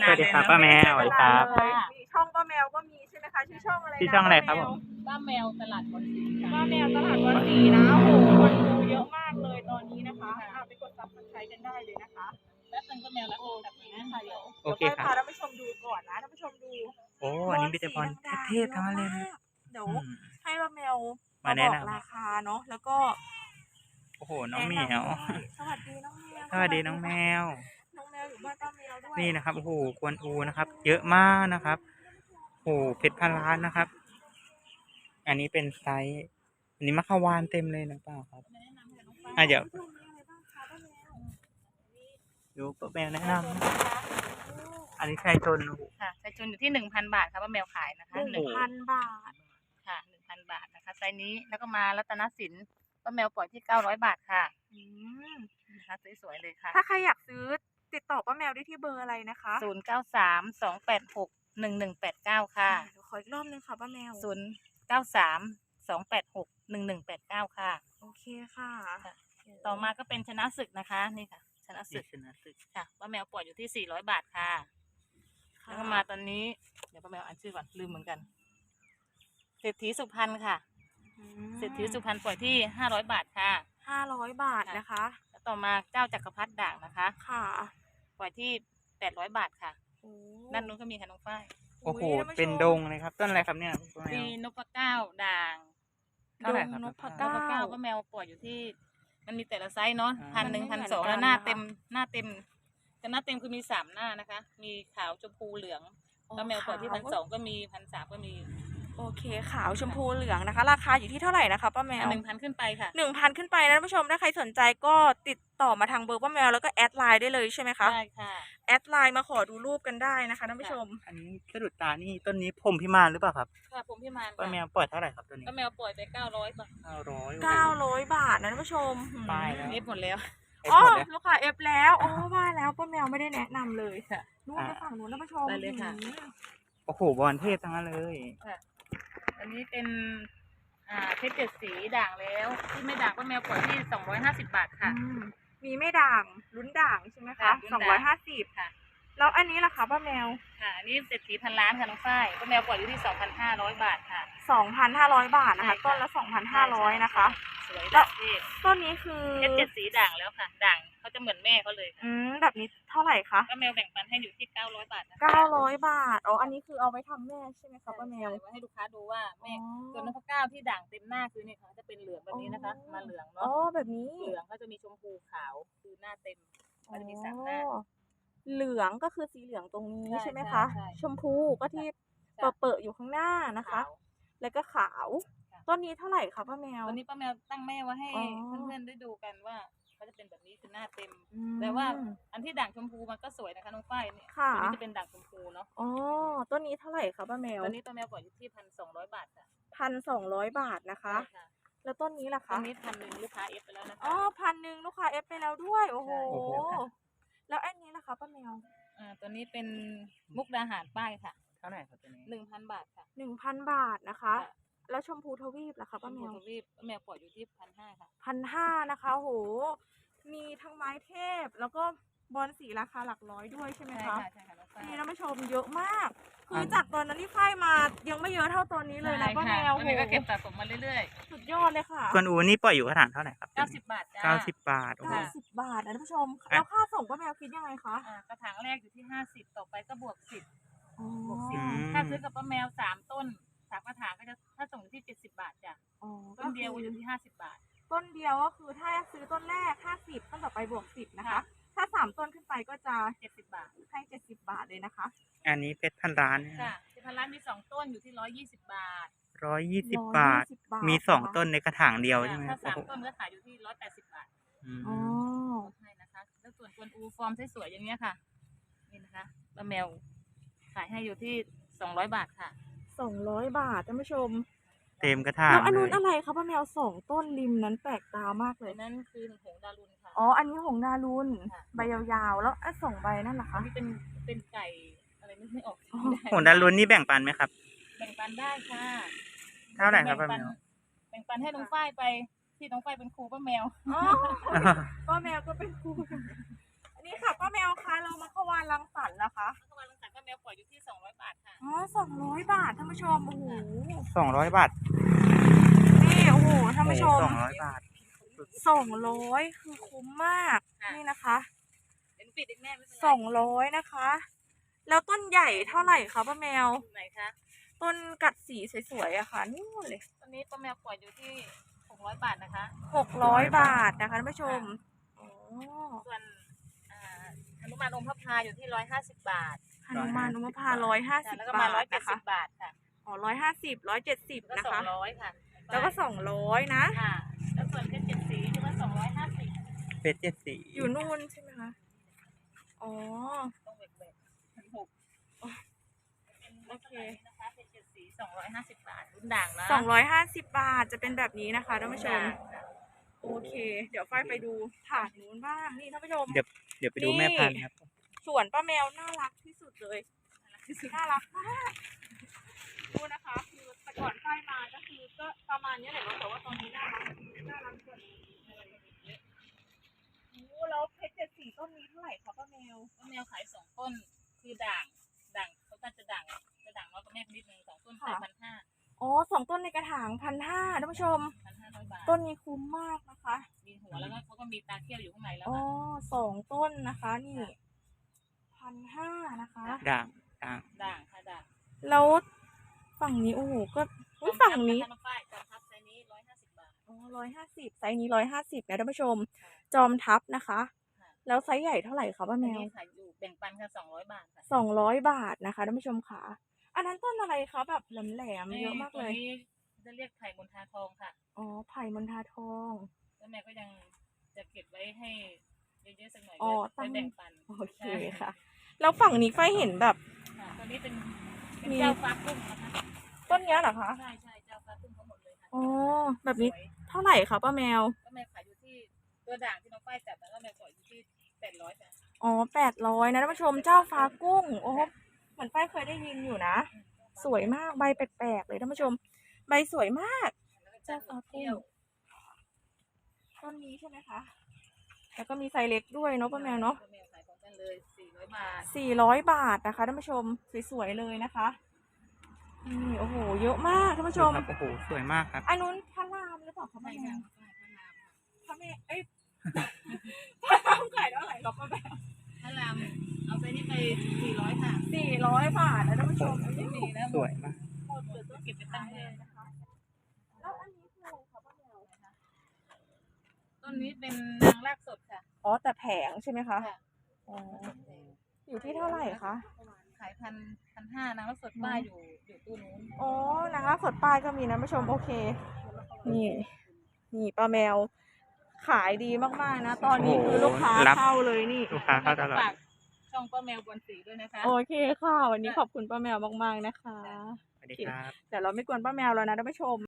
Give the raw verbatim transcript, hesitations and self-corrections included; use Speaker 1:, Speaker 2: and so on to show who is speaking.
Speaker 1: สวัสดีครับป้าแมวสวัสดีครับ
Speaker 2: มีช่องป้าแมวก็มีใช่ไหมคะชื่อช่องอะไรนะ
Speaker 1: ชื่อช่องอะไรครับผม
Speaker 3: ป้าแมวตลาดบอลสีค่ะ
Speaker 2: ป้าแมวตลาดวันสีนะโอ้โหคนดูเยอะมากเลยตอนนี้นะคะอ่ะไปกดซับสไครต์กันได้เลยนะคะ
Speaker 3: แป๊บนึงป้าแมวรับโทรศัพท์นะค่ะเดี๋ยว
Speaker 1: โอเค
Speaker 2: เดี๋ยว
Speaker 1: ค
Speaker 2: พา
Speaker 1: รับ
Speaker 2: ท่านผู้ชมดูก่อนนะท่านผู้ชมดู
Speaker 1: โอ้อันนี้มีแต่บอลเทพๆทั้งนั้นเลยนะ
Speaker 2: เดี๋ยว
Speaker 1: อืม
Speaker 2: ให้ป้าแมว
Speaker 1: มา
Speaker 2: มา
Speaker 1: แนะ
Speaker 2: บอก
Speaker 1: นำ
Speaker 2: ราคาเนาะแล้วก็
Speaker 1: โอ้โหน้องเหมียว
Speaker 2: สวัสดีน้องแมว
Speaker 1: สวัสดีน้องแมว
Speaker 2: น้องแมวอยู่บ้านป้าแมวด้วย
Speaker 1: นี่นะครับโอ้โหกวนอูนะครับ เยอะมากนะครับโอ้โหเพชรพันล้านนะครับ อันนี้เป็นไซส์อันนี้มะขวานเต็มเลยนะเปล่าครับอ่ะเดี๋ยวดูป้าแมวแนะนำนะอันนี้ชายชนโอ้โห
Speaker 3: ค่ะไซจุนอยู่ที่หนึ่งพันบาทค่ะป้าแมวขายนะคะ
Speaker 2: หนึ่งพันบาท
Speaker 3: ค่ะหนึ่งพันบาทนะคะไซนี้แล้วก็มารัตนสินป้าแมวปล่อยที่เก้าร้อยบาทค่ะ
Speaker 2: อืม
Speaker 3: นะคะสวยๆเลยค่ะ
Speaker 2: ถ้าใครอยากซื้อติดต่อป้าแมวได้ที่เบอร์อะไรนะคะ
Speaker 3: ศูนย์เก้าสามสองแปดหกหนึ่งหนึ่งแปดเก้าค่ะ
Speaker 2: เดี๋ยวขออีกรอบนึงค่ะป้าแมว
Speaker 3: ศูนย์เก้าสามสองแปดหกหนึ่งหนึ่งแปดเก้าค่ะ
Speaker 2: โอเคค่ะ
Speaker 3: ต่อมาก็เป็นชนะศึกนะคะนี่ค่ะ ชนะศึ
Speaker 1: นี่
Speaker 3: ก
Speaker 1: ชนะศึก
Speaker 3: ค่ะป้าแมวปล่อยอยู่ที่สี่ร้อยบาทค่ะ
Speaker 2: ค่ะ
Speaker 3: แล้วก็มาตอนนี้เดี๋ยวป้าแมวอ่านชื่อก่อนลืมเหมือนกันเศรษฐีสุพรรณค่ะ
Speaker 2: อืม
Speaker 3: เศรษฐีสุพรรณปล่อยที่ห้าร้อยบาทค่ะ
Speaker 2: ห้าร้อยบาทนะคะ
Speaker 3: แล้วต่อมาเจ้าจักรพรรดิด่างนะคะ
Speaker 2: ค่ะ
Speaker 3: ปล่อยที่แปดร้อยบาทค่ะ
Speaker 2: โอ้
Speaker 3: ด้านนู้นก็มีค่ะน้องฝ้าย
Speaker 1: โอ้โห
Speaker 2: ท่าผู้ชม
Speaker 1: เป็นดงเลยครับต้นอะไรครับเนี่ยป้าแม
Speaker 3: มี
Speaker 1: วน
Speaker 3: พเก้าด่าง
Speaker 1: เท่าไหร่ครับ
Speaker 2: ดงนพ
Speaker 3: น
Speaker 2: เก้า
Speaker 3: พเก้าป้าแมวปล่อยอยู่ที่ มันมีแต่ละไซส์เนาะ
Speaker 1: อ่า
Speaker 3: พันหนึ่ง
Speaker 2: มัน
Speaker 3: พัน
Speaker 2: ไม่
Speaker 3: สอง
Speaker 2: เหมือนกัน
Speaker 3: แล้วหน้า
Speaker 2: นะคะ
Speaker 3: เต็มหน้าเต็มแต่หน้าเต็มคือมีสามหน้านะคะ มีขาวชมพูเหลืองป้าแมวปล่อยที่พันสองก็มีพันสามก็มี
Speaker 2: โอเคขาวชมพูเหลืองนะคะ ราคาอยู่ที่เท่าไหร่นะคะป้าแมว
Speaker 3: หนึ่งพันขึ้นไปค่ะ
Speaker 2: หนึ่งพันขึ้นไปนะท่านผู้ชมถ้าใครสนใจก็ติดต่อมาทางเบอร์ป้าแมวแล้วก็แอดไลน์ได้เลยใช่ไหมคะ
Speaker 3: ได้ค่ะ
Speaker 2: แอดไลน์มาขอดูรูปกันได้นะคะท่านผู้ชม
Speaker 1: อันนี้สะดุดตานี่ต้นนี้พรหมพิมานหรือเปล่าครับ
Speaker 3: ค่ะผมพี่มาน
Speaker 1: ป้าแม
Speaker 3: ค่ะ
Speaker 1: วปล่อยเท่าไหร่ครับตัวนี้
Speaker 3: ป้าแมวปล่อยไปเก้าร้อยบาท
Speaker 1: เก้าร้อย
Speaker 2: เก้าร้อยบาทนะท่านผู้ชม
Speaker 1: ป้ายแล้ว
Speaker 3: เอฟหมดแล้ว
Speaker 2: อ๋อลูกค้าเอฟแล้วโอ้ว่าแล้วป้าแมวไม่ได้แนะนำเลย
Speaker 3: ค่ะ
Speaker 2: นู่นไปฝั่งนู้นท่านผู้ชม
Speaker 3: ได้เลยค่ะ
Speaker 2: อืม
Speaker 1: โอ้โหบอลเทพทั้งนั้นเลย
Speaker 3: ค่ะอันนี้เป็นอ่าเพชรเจ็ดสีด่างแล้วที่ไม่ด่างป้าแมวปล่อยที่สองร้อยห้าสิบบาทค่ะ
Speaker 2: อืมมีไม่ด่างลุ้นด่างใช่ไหมคะ
Speaker 3: ค่ะลุ้น
Speaker 2: สอง
Speaker 3: ด่าง
Speaker 2: ร้อยห้าสิบ
Speaker 3: ค่ะ
Speaker 2: แล้วอันนี้ล่ะคะป้าแมว
Speaker 3: ค่ะอันนี้เศรษฐีพันล้านค่ะน้องฝ้ายป้าแมวปล่อยอยู่ที่สองพันห้าร้อยบาทค่ะ
Speaker 2: สองพันห้าร้อยบาทนะคะ
Speaker 3: ใช่ค่ะ
Speaker 2: ต้นละสองพันห้าร้อยนะคะ
Speaker 3: สวย
Speaker 2: แล้
Speaker 3: ด่าว งเทพ
Speaker 2: ต้นนี้คือ
Speaker 3: เพชรเจ็ดสีด่างแล้วค่ะ ด่างเขาจะเหมือนแม่เขาเลยค่ะ
Speaker 2: อืมแบบนี้เท่าไหร่คะ
Speaker 3: ป้าแมวแบ่งปันให้อยู่ที่เก้าร้อยบาทนะคะ
Speaker 2: เก้าร้อยบาทอ๋ออันนี้คือเอาไว้ทำแม่ใช่ไหมคะป้าแมว
Speaker 3: ไว้ให้ลูกค้าดูว่าแม่
Speaker 2: อ๋อ
Speaker 3: ส่วนนพเก้าที่ด่างเต็มหน้าคือเนี่ยค่ะจะเป็นเหลืองแบบนี้นะคะ มาเหลือง
Speaker 2: อ๋อ
Speaker 3: เนาะ
Speaker 2: แบบนี้
Speaker 3: เหลืองก็จะมีชมพูขาวคือหน้าเต็มก็จะมีสามหน้า
Speaker 2: อ๋อเหลืองก็คือสีเหลืองตรงนี้
Speaker 3: ใช่
Speaker 2: ใช่ไหมคะ
Speaker 3: ใช่ใช่
Speaker 2: ชมพูก็ที่
Speaker 3: จ้ะ
Speaker 2: เปิดๆอยู่ข้างหน้านะคะ
Speaker 3: ขาว
Speaker 2: แล้วก็ขาว
Speaker 3: ค่ะ
Speaker 2: ต้นนี้เท่าไหร่คะป้าแมว
Speaker 3: วันนี้ป้าแมวตั้งแม่ไว้ให้
Speaker 2: อ๋อ
Speaker 3: เพื่อนๆได้ดูกันว่าเขาจะเป็นแบบนี้คือหน้าเต็ม
Speaker 2: อืม
Speaker 3: แต่ว่าอันที่ด่างชมพูมันก็สวยนะคะน้องฝ้ายเนี่ย
Speaker 2: ค่ะ
Speaker 3: ตัวนี้จะเป็นด่างชมพูเนาะ
Speaker 2: อ๋อต้นนี้เท่าไหร่คะป้าแมว
Speaker 3: ตัวนี้ป้าแมวปล่อยอยู่ที่พันสองร้อยบาทค่ะ
Speaker 2: พันสองร้อยบาทนะคะ
Speaker 3: ใช่ค่ะ
Speaker 2: แล้วต้นนี้ล่ะ
Speaker 3: ตั
Speaker 2: คะ
Speaker 3: วนี้พันหนึ่งลูกค้าเอฟไปแล้วนะคะ
Speaker 2: อ๋อพันหนึ่งลูกค้าเอฟไปแล้วด้วย โอ้โห
Speaker 3: ใช่
Speaker 1: โอ้โห
Speaker 2: แล้วอันนี้ล่ะคะป้าแมว
Speaker 3: อ่าตัวนี้เป็นมุกดาหารป้ายค่ะ
Speaker 1: เท่าไหร่ครับตัวนี้
Speaker 3: หนึ่งพันบาทค่ะ
Speaker 2: หนึ่งพันบาทนะคะ
Speaker 3: ค่ะ
Speaker 2: แล้วชมพูทวีปล่ะคะ
Speaker 3: ช
Speaker 2: ป้าม แม
Speaker 3: พู
Speaker 2: ว
Speaker 3: ทวีปป้าแมวปล่อยอยู่ที่พันห้าค่ะ
Speaker 2: พันห้านะคะโห มีทั้งไม้เทพ แล้วก็บอลสีราคาหลักร้อยด้วยใช่ไหม
Speaker 3: ใช่
Speaker 2: คะ
Speaker 3: ค่ะใช่ค่ะน้องฝ้าย
Speaker 2: นี่ท่านผู้ชมเยอะมาก คือ
Speaker 1: อ่ะ
Speaker 2: จากตอนนั้นที่ค่ายมายังไม่เยอะเท่าตอนนี้เลยนะป้าแมว
Speaker 3: ป้าแมวก็เก็บสะสมมาเรื่อย
Speaker 2: สุดยอดเลยค่ะ
Speaker 1: กวนอูนี่ปล่อยอยู่กระถางเท่าไหร่ครับ
Speaker 3: ๆเก้าสิบบาทจ้า
Speaker 1: เก้าสิบบาทโอ้โห
Speaker 2: เก้าสิบบาทนะท่านผู้ชม
Speaker 1: อ่ะ
Speaker 2: แล้วค่าส่งป้าแมวคิดยังไงคะ
Speaker 3: อ่ากระถางแรกอยู่ที่ห้าสิบต่อไปก็บวกสิบ
Speaker 2: อ๋อ
Speaker 3: บวกสิบ
Speaker 1: อืม
Speaker 3: ถ้าซื้อกับป้าแมวสามต้นสามกระถางก็จะถ้าส่งอยู่ที่เจ็ดสิบบาทจ้ะ
Speaker 2: อ๋อ
Speaker 3: ต้นเดียวอยู่ที่ห้าสิบบาท
Speaker 2: ต้นเดียวก็คือถ้าซื้อต้นแรกห้าสิบต้นต่อไปบวกสิบนะคะ
Speaker 3: ค่ะ
Speaker 2: ถ้าสามต้นขึ้นไปก็จะ
Speaker 3: เจ็ดสิบบาท
Speaker 2: ให้เจ็ดสิบบาทเลยนะคะ
Speaker 1: อันนี้เพชรพันล้านเนี่ย
Speaker 3: จ้ะที่พันล้านมีสองต้นอยู่ที่ร้อยยี่สิบบาท
Speaker 1: ร้อยยี่สิบบาท
Speaker 2: ร้อยยี่สิบบาท
Speaker 1: มีสอง
Speaker 2: นะคะ
Speaker 1: ต้นในกระถางเดียวใช่ไหม
Speaker 3: ถ้า
Speaker 1: โอ้
Speaker 3: สาม
Speaker 1: โห
Speaker 3: ต้นก็ขายอยู่ที่ร้อยแปดสิบบาท
Speaker 1: อืม
Speaker 2: อ๋อ
Speaker 3: ลดให้นะคะแล้วส่วนกวนอูฟอร์มสวยๆอย่างเงี้ยค่ะ นี่นะคะป้าแมวขายให้อยู่ที่สองร้อยบาทค่ะ
Speaker 2: สองร้อยบาทท่านผู้ชม
Speaker 1: เต็มกระถาง
Speaker 2: แล้วอันนู้น
Speaker 1: เลย
Speaker 2: อะไรคะป้าแมวสองต้นริมนั้นแปลกตามากเล
Speaker 3: ตั
Speaker 2: ย
Speaker 3: วนั้นคือหงส์ดารุนค่ะ
Speaker 2: อ๋อ อันนี้หงดารุน
Speaker 3: ค่ะ
Speaker 2: ใบยาวๆ แล้วไอ้สองใบนั่นเหรอ
Speaker 3: อั
Speaker 2: คะ
Speaker 3: นนี้เป็นเป็นไก่อะไรนึกไม่ออก
Speaker 2: อ๋อ
Speaker 1: โหดารุนนี่แบ่งปันไหมครับ
Speaker 3: แบ่งปันได้ค่ะ
Speaker 1: เท่าไหร่ครับ
Speaker 3: แบ่งปัน
Speaker 1: ป้าแมว
Speaker 3: แบ่งปันให้น้องฝ้ายไปที่น้องฝ้ายเป็นครูป้าแมว
Speaker 2: อ๋อป้าแมวก็เป็นครูอันนี้ค่ะป้าแมวคะเรามาขวานรังสรรค์นะคะ
Speaker 3: แล้วก็มาลังสรรค์
Speaker 2: สองร้อยบาทท่านผู้ชมโอ้โห
Speaker 1: สองร้อยบาท
Speaker 2: นี่โอ้โหท่านผู้ชม
Speaker 1: สองร้อยบาท
Speaker 2: สองร้อยคือคุ้มมากนี่นะคะ
Speaker 3: เดี๋ยวหนูปิดเองแม่ไม่เป็นไร
Speaker 2: สองร้อยนะคะ แล้วต้นใหญ่เท่าไหร่คะป้าแมว
Speaker 3: ไหนคะ
Speaker 2: ต้นกัดสีสวยๆอะค่ะนู่นเลย
Speaker 3: ตอนนี้ป้าแมวปล่อยอยู่ที่หกร้อยบาทนะคะ
Speaker 2: หกร้อยบาทนะคะท่านผู้ชมอ๋อ
Speaker 3: ส่วนอ่าหนุมานอมพระพาอยู่ที่ร้อยห้าสิบบาท
Speaker 2: หนุมานอุมพาร้อยห้า
Speaker 3: ค่ะ
Speaker 2: สิบ
Speaker 3: แล้วก็
Speaker 2: บา
Speaker 3: มา
Speaker 2: ท
Speaker 3: ร้อยเจ็ด
Speaker 2: นะ
Speaker 3: สิ
Speaker 2: คะ
Speaker 3: บบาทค่ะ
Speaker 2: อ๋อร้อยห้าสิบร้อยเจ็ดสิบ
Speaker 3: แล้วก็
Speaker 2: นะ
Speaker 3: สอง
Speaker 2: คะ
Speaker 3: ร้อยค่ะ
Speaker 2: แล้วก็สองร้อยนะ
Speaker 3: ค่ะ แล้วส่วนเพชรเจ็ดสีที่ว่าสองร้อยห้าสิบ
Speaker 1: เพชรเจ็ดสี
Speaker 2: อยู่นู่นใช่ไหมคะ อ๋อ
Speaker 3: ต้องเวกเวกพันหก
Speaker 2: โอเค
Speaker 3: นะคะเพชรเจ็ดสีสองร้อยห้าสิบบาทรุ่นด่างนะ
Speaker 2: สองร้อยห้าสิบบาทจะเป็นแบบนี้นะคะท่านผู้ชม
Speaker 3: ค่ะ
Speaker 2: โอเค เดี๋ยวฝ้ายไปดูถาดนู้นบ้าง นี่ท่านผู้ชม
Speaker 1: เดี๋ยวเดี๋ยวไปดูแม่พันธุ์ครับ
Speaker 2: สวนป้าแมวน่ารักที่สุดเลยน่ารักมากดูนะคะ คือแต่ก่อนฝ้ายมาก็คือก็ประมาณนี้แหละเนาะแต่ว่าตอนนี้น่ารักน่ารักกว่านี้โอ้แล้วเพชรเจ็ดสีต้นนี้เท่าไหร่คะป้าแมว
Speaker 3: ป้าแมวขายสองต้นคือด่างด่างเขาก็จะด่างจะด่างน้อยกว่าแม่นิดนึงสองต้นขายพันห้า
Speaker 2: อ๋อสองต้นในกระถางพันห้าท่านผู้ชม
Speaker 3: พันห้าร้อยบาท
Speaker 2: ต้นนี้คุ้มมากนะคะ
Speaker 3: มีหัวแล้วก็เขาก็มีตาเขี้ยวอยู่ข้างในแล้ว
Speaker 2: อ๋อ
Speaker 3: ค่ะ
Speaker 2: สองต้นนะคะ นี่พันห้านะคะ
Speaker 1: ด่างด่าง
Speaker 3: ด่างค่ะด่าง
Speaker 2: แล้วฝั่งนี้โอ้โหก็อุ๊ยฝั่งนี้
Speaker 3: จอมทัพป้ายจอมทัพไซส์นี้ร้อยห้าสิบบาท
Speaker 2: อ๋อร้อยห้าสิบไซส์นี้ร้อยห้าสิบนะท่านผู้ชม จอมทัพนะคะ
Speaker 3: ค่ะ
Speaker 2: แล้วไซส์ใหญ่เท่าไหร่คะป้า
Speaker 3: อัน
Speaker 2: แมว
Speaker 3: นี้ขายอยู่แบ่งปันค่ะสองร้อยบาทค่ะ
Speaker 2: สองร้อยบาทนะคะท่านผู้ชมค่ะ อันนั้นต้นอะไรคะแบบแหลมๆเยอะมากเลย
Speaker 3: ตัวนี้จะเรียกไผ่มณฑาทองค่ะ
Speaker 2: อ๋อไผ่มณฑาทอง
Speaker 3: แล้วแม่ก็ยังจะเก็บไว้ให้เยอะๆสักหน่อย
Speaker 2: อ๋อ
Speaker 3: ไว้
Speaker 2: ตั้ง
Speaker 3: แบ่งปัน
Speaker 2: โอเคค่ะ แล้วฝั่งนี้ไฟเห็นแบบ
Speaker 3: ค่ะตัวนี้เป็นเป็น
Speaker 2: มี
Speaker 3: เจ้าฟ้ากุ้งนะคะ
Speaker 2: ต้นเนี้ยเหรอคะ
Speaker 3: ใช่ใช่เจ้าฟ้ากุ้งทั้งหมดเลยค่ะ
Speaker 2: อ๋อแบบนี้
Speaker 3: สวย
Speaker 2: เท่าไหร่คะป้าแมว
Speaker 3: ก็แม่ขายอยู่ที่ตัวด่างที่น้องฝ้ายจับแล้วก็แม่ปล่อยอยู่ที่แปดร้อยค่ะ
Speaker 2: อ๋อแปดร้อยนะท่านผู้ชมเจ้าฟ้ากุ้ง โอ้โหเหมือนไฟเคยได้ยินอยู่นะ สวยมากใบแปลกๆเลยท่านผู้ชม ใบสวยมาก
Speaker 3: แล้วก็เจ้าฟ้าเที่ยว
Speaker 2: ต้นนี้ใช่ไหมคะ แล้วก็มีไซส์เล็กด้วยเนาะป้าแมวเนาะ
Speaker 3: ป้าแมวขายของกันเลยสี่ร้อยบาท
Speaker 2: สี่ร้อยบาทนะคะท่านผู้ชม สวยๆเลยนะคะนี่โอ้โห เยอะมากท่านผู้ชม
Speaker 1: ครับโอ้โหสวยมากครับ
Speaker 2: อันนู้นพระรามหรือเปล่าคะ
Speaker 3: ใช่
Speaker 2: ป้าแม
Speaker 3: ค่ะ
Speaker 2: ว
Speaker 3: ใช่พระรามค่ะ
Speaker 2: พระแม่เอ้ย พระรามขายเท่าไหร่ครับป้าแมว
Speaker 3: พระรามเอาไปนี่ไปสี่ร้อยค่ะ
Speaker 2: สี่ร้อยบาทนะท่านผู้ชม
Speaker 3: ไม่มีแล้ว
Speaker 1: สวยมาก
Speaker 2: หมดเลยต้อง
Speaker 3: เก็บไปตั้งเลย
Speaker 2: นะคะ แล้วอันนี้คืออะไรคะป้าแมว
Speaker 3: ต้นนี้เป็นนางรากสดค่ะ
Speaker 2: อ๋อแต่แผงใช่ไหมคะ
Speaker 3: ค่ะ
Speaker 2: อ๋อ อยู่ที่เท่าไหร่คะ
Speaker 3: ขายพันพันห้านางรากสดป้ายอยู่อยู่ตู้นู้น
Speaker 2: อ๋อนะคะสดป้ายก็มีนะผู้ชมโอเค นี่ นี่ป้าแมว ขายดีมากๆนะ ตอนนี้คือลูกค้า
Speaker 1: รับ
Speaker 2: เข้าเลยนี่
Speaker 1: ลูกค้าเข้าตลอด
Speaker 3: ฝากช่องป้าแมวบวนสีด้วยนะคะ
Speaker 2: โอเคค่ะ วันนี้ขอบคุณป้าแมวมากๆนะคะ
Speaker 1: สวัสดีครับ
Speaker 2: เดี๋ยวเราไม่กวนป้าแมวแล้วนะท่านผู้ชม